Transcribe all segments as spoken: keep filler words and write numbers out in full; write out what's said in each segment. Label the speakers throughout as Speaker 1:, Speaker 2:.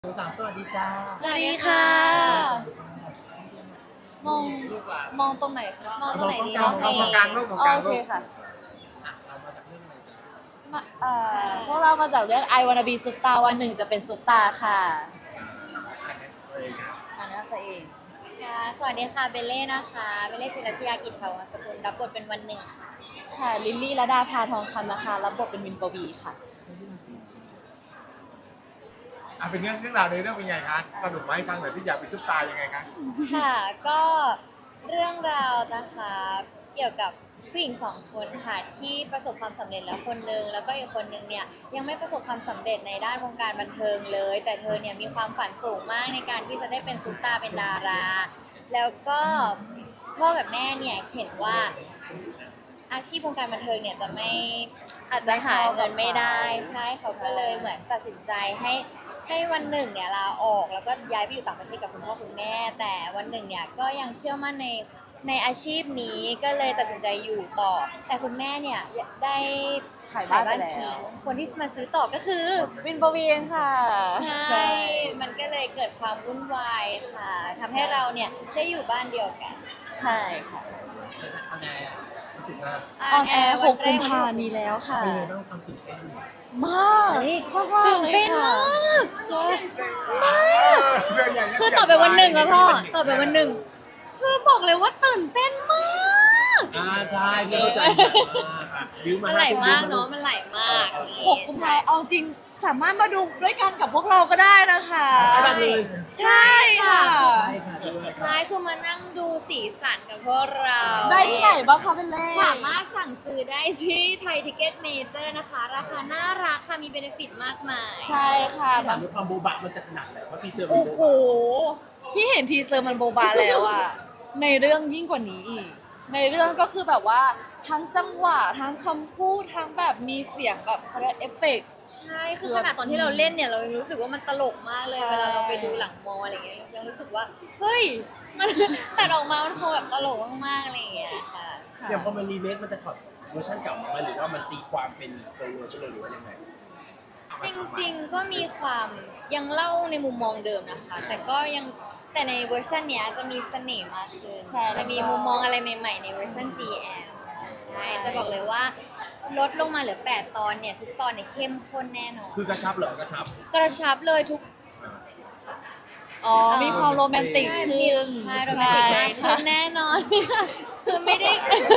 Speaker 1: สองสามสวัสดีจ้า
Speaker 2: สวัสดีค่ะ มองมองตรงไหนคะ
Speaker 3: มองตรงไหนดี
Speaker 1: มองกลางมองกลางโลกมองกลาง
Speaker 2: โอ
Speaker 1: โล
Speaker 2: เค
Speaker 1: ก
Speaker 2: ค่ะ
Speaker 1: อ่ะเรามาจากเรื่องอะไรกัน
Speaker 2: มาเอ่อพวกเรามาจากเรื่อง I Wanna Be Superstar วันหนึ่งจะเป็นซุปตาค่ะ
Speaker 1: อ่านในตัวเองครับ
Speaker 2: อ่านแนะนำตัวเอง
Speaker 3: ค่ะ สวัสดีค่ะ เบลเล่นะคะ เบลเล่จิรชยากิจเถาวรสกุลรับบทเป็นวันหนึ่งค่ะ
Speaker 2: ค่ะ ลิลลี่ระดาภาทองคำนะคะ รับบทเป็นวินปวีค่ะ
Speaker 1: อ่ะเป็นเรื่องเรื่องราวในเรื่องเป็นไงคะสนุกไหมฟังหน่อยที่อยากเป็นซุปตายังไงคะ
Speaker 3: ค่ะ ก็เรื่องราวนะคะ เกี่ยวกับผู้หญิงสองคนค่ะที่ประสบความสำเร็จแล้วคนนึงแล้วก็อีกคนนึงเนี่ยยังไม่ประสบความสำเร็จในด้านวงการบันเทิงเลย แต่เธอเนี่ยมีความฝันสูงมากในการที่จะได้เป็นซุปตาร์เป็นดารา แล้วก็พ่อกับแม่เนี่ยเห็นว่าอาชีพวงการบันเทิงเนี่ยจะไม่อาจจะหาเงินไม่ได้ใช่เขาก็เลยเหมือนตัดสินใจให้ให้วันหนึ่งเนี่ยลาออกแล้วก็ย้ายไปอยู่ต่างประเทศกับคุณพ่อคุณแม่ แต่วันหนึ่งเนี่ยก็ยังเชื่อมั่นในในอาชีพนี้ก็เลยตัดสินใจอยู่ต่อ แต่คุณแม่เนี่ยได้
Speaker 2: ขายบ้านไปแล้ว
Speaker 3: ทิ้งคนที่มาซื้อต่อก็คือ
Speaker 2: วินปวีเองค่ะ
Speaker 3: ใช่ มันก็เลยเกิดความวุ่นวายค่ะทำให้เราเนี่ยได้อยู่บ้านเดียวกัน
Speaker 2: ใช่ค่ะ
Speaker 1: อันไหนอ่ะรู้สึกว่า
Speaker 2: ออนแอร์หกกุมภานี้แล้วค่ะ
Speaker 1: เป็นไงบ้างความตื่นเต้น
Speaker 2: มากมากมากเลยค่ะใช่
Speaker 1: เรื่องใหญ่
Speaker 3: คือต่อไปวันหนึ่งแล้วพ่อต่อไปวันหนึ่งคือบอกเลยว่าตื่นเต้นมาก
Speaker 1: อ่าได้พี่เข้าใจบิวมา
Speaker 3: มันไหลมากเนาะ มันไหลมาก
Speaker 2: หกกุมภาเอาจริงสามารถมาดูด้วยกันกับพวกเราก็ได้นะคะ
Speaker 1: ได้เลย
Speaker 2: ใช่ค่ะ
Speaker 1: ใช่ค่ะด้วย
Speaker 3: ใช่คือมานั่งดูสีสันกับพวกเรา
Speaker 2: ได้ที่ไหนบ้างคะเป็นแรก
Speaker 3: สามารถสั่งซื้อได้ที่ไทยทิเก็ตเมเจอร์นะคะ ราคาน่ารักค่ะ มีเบนฟิตมากมาย
Speaker 2: ใช่ค่ะ
Speaker 1: ถามด้วยความโบบะมันจะขนาดไหนเพราะทีเซอร์มัน
Speaker 2: โอ้
Speaker 1: โบ
Speaker 2: โห
Speaker 1: บะ
Speaker 2: พี่เห็นทีเซอร์มันโบบาแล้วอะในเรื่องยิ่งกว่านี้อีกในเรื่องก็คือแบบว่าทั้งจังหวะทั้งคำพูดทั้งแบบมีเสียงแบบเขาเรียกเอฟเฟกต์
Speaker 3: ใช่ คือขนาดตอนที่เราเล่นเนี่ย เรายังรู้สึกว่ามันตลกมากเลย
Speaker 2: ใช่
Speaker 3: เวลาเราไปดูหลังมออะไรเงี้ย ยังรู้สึกว่า เฮ้ย มัน ตัดออกมา มันคงแบบตลกมากๆอะไรอย่างเงี้ยค่ะ
Speaker 1: อย่างพอมันรีเมคมันจะถอดเวอร์ชันเก่ามาไหมหรือว่ามันตีความเป็นตัวเวอร์ชันเลยหรือว่ายังไง
Speaker 3: จริงๆ ก็มีความยังเล่าในมุมมองเดิมนะคะ แต่ก็ยังแต่ในเวอร์ชันเนี้ยจะมีเสน่ห์มากขึ้น
Speaker 2: ใช่
Speaker 3: จะมีมุมมองอะไรใหม่ๆ ในเวอร์ชัน จี แอล ใช่จะบอกเลยว่าลดลงมาเหลือแปดตอนเนี่ยทุกตอนเนี่ยเข้มข้นแน่นอน
Speaker 1: คือกระชับเหรอกระชับ
Speaker 3: กระชับเลยทุก
Speaker 2: อ๋อมีความโรแมนติกขึ้น
Speaker 3: ใช่โรแมนติกมากขึ้นแน่นอน คือไม่ได้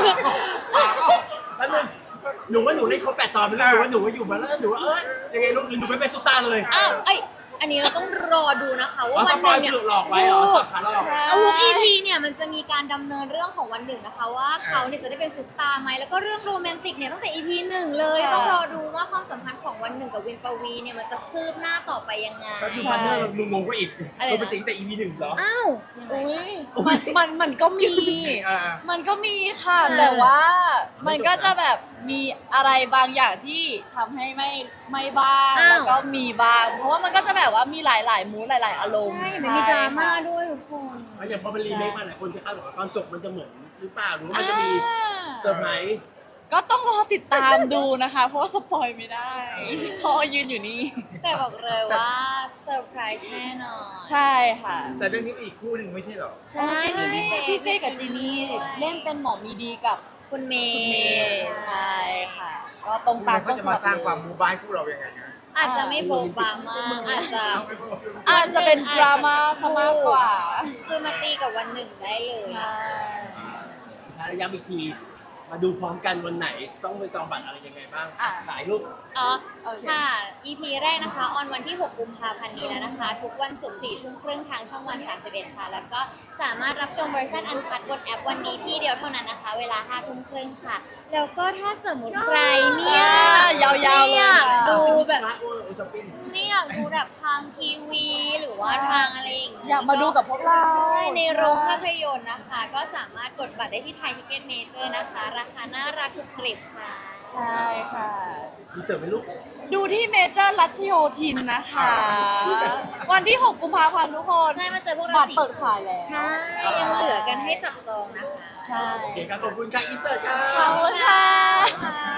Speaker 1: แล้วนึงหนูว่าหนูเล่นครบแปดตอนไปแล้วหนูว่าหนูว่าอยู่มาแล้วหนูว่าเอ้ยยังไงลูกหนูไม่เป็นซุปตาเลย
Speaker 3: อ้าวไอยอันนี้เราต้องรอดูนะคะ ว่า
Speaker 1: อ๋อ
Speaker 3: วันหนึ่งเนี่ย
Speaker 1: สปอยล์หลอกไว้เหรอสับขาหลอก
Speaker 3: เอาทุก อี พี เนี่ยมันจะมีการดำเนินเรื่องของวันหนึ่งนะคะ ว่าเขาเนี่ยจะได้เป็นซุปตาร์ไหมแล้วก็เรื่องโรแมนติกเนี่ยตั้งแต่ อี พี หนึ่งเลย
Speaker 2: ค่ะ
Speaker 3: ต้องรอดูว่าความสัมพันธ์ของวันหนึ่งกับวินปวีเนี่ยมันจะคืบหน้าต่อไปยังไง
Speaker 1: ก็คือพันเนอร์เรางงๆก็อีก
Speaker 3: อะไรนะ
Speaker 1: ตัวเป็นจริงแต่ อี พี หนึ่งเหรอ
Speaker 3: อ้าว
Speaker 2: อุ้ยมันมันมันก็มี
Speaker 1: อ่า
Speaker 2: มันก็มีค่ะ
Speaker 3: เออ
Speaker 2: แต่ว่ามันก็จะแบบมีอะไรบางอย่างที่ทำให้ไม่ไม่บ้างแล้วก็มีบ้าง เพราะว่ามันก็จะแบบว่ามีหลายๆมูดหลาย ๆ อารมณ์
Speaker 3: ใช่มันมีดราม่าด้วยทุกคน
Speaker 1: แล้วอย่างพอเป็นรีเมคมาหลายคนจะคาดหวังว่าตอนจบมันจะเหมือนหรือเปล่าหรือว่ามันจะมีเซอร์ไพรส์
Speaker 2: ก็ต้องรอติดตามดูนะคะ เพราะว่าสปอยไม่ได้เพราะยืนอยู่นี่
Speaker 3: แต่บอกเลยว่าเซอร์ไพรส์แน่นอน
Speaker 2: ใช่ค่ะ
Speaker 1: แต่เรื่องนี้อีกคู่หนึ่งไม่ใช่เหรอ
Speaker 3: ใช่
Speaker 2: พี่
Speaker 3: มี
Speaker 2: เฟย์พี่เฟย์กับจีนี่เล่นเป็นหมอมีดีกับ
Speaker 3: คุณเม
Speaker 2: คุณเม
Speaker 3: ย์
Speaker 2: ย์ใช่ค่ะ ก็ตรงตาม
Speaker 1: เขา
Speaker 2: ต้น
Speaker 1: จะ
Speaker 2: ฉ
Speaker 1: มา
Speaker 2: บับ
Speaker 1: สร้างความ
Speaker 2: เล
Speaker 1: มู
Speaker 2: ย
Speaker 1: บายคู่เรายังไงฮะ
Speaker 3: อาจจะไม่โบบามากอาจจะ
Speaker 2: อาจจะเป็นดราม่าซะมากกว่า
Speaker 3: คือมาตีกับวันหนึ่งได้เลย
Speaker 2: ใช่
Speaker 1: สุดท้ายย้ำอีกทีมาดูพร้อมกันวันไหนต้องไปจองบัตรอะไรยังไงบ้าง
Speaker 2: อ่ะ
Speaker 1: ขายรูป
Speaker 3: อ๋อ
Speaker 2: โอเค
Speaker 3: ค่ะ อี พี แรกนะคะ ออนวันที่ หก กุมภาพันธ์นี้แล้วนะคะ ทุกวันศุกร์ สี่ทุ่มครึ่งทางช่องวัน สามสิบเอ็ด ค่ะ แล้วก็สามารถรับชมเวอร์ชันอันคัดบนแอปวันนี้ที่เดียวเท่านั้นนะคะ เวลา ห้าทุ่มครึ่งค่ะ แล้วก็ถ้าสมมติใครเนี่ย
Speaker 2: ยาวๆเลย
Speaker 3: ไม่อยาก
Speaker 2: ค่ะ
Speaker 3: ดูแบบ
Speaker 1: โอ้โอ้ช้อปปิ้ง
Speaker 3: ไม่อยากดูแบบทางทีวีหรือว่าทางอะไรอย่างงี้
Speaker 2: อยากมาดูกับพวกเรา
Speaker 3: ใช่ในโรงภาพยนตร์นะคะ ก็สามารถกดบัตรได้ที่ไทยทิเก็ตเมเจอร์นะคะ ราคาน่ารักกรุบกริบค่ะ
Speaker 2: ใช่ค่ะ
Speaker 1: มีเสิร์ฟไหมลูก
Speaker 2: ดูที่เมเจอร์รัชโยธินนะคะ วันที่ หก กุมภาพันธ์ทุกคน
Speaker 3: ใช่มาเจอพวกเรา
Speaker 2: บัตร
Speaker 3: สิ
Speaker 2: เปิดขายแล้ว
Speaker 3: ใช่ ยังเหลือกันให้จับจองนะคะ
Speaker 2: ใช่
Speaker 1: โอเคครับขอบคุณค่ะอีเสิร์ตค่ะ
Speaker 2: ขอบคุณค่ะ
Speaker 3: ค่ะ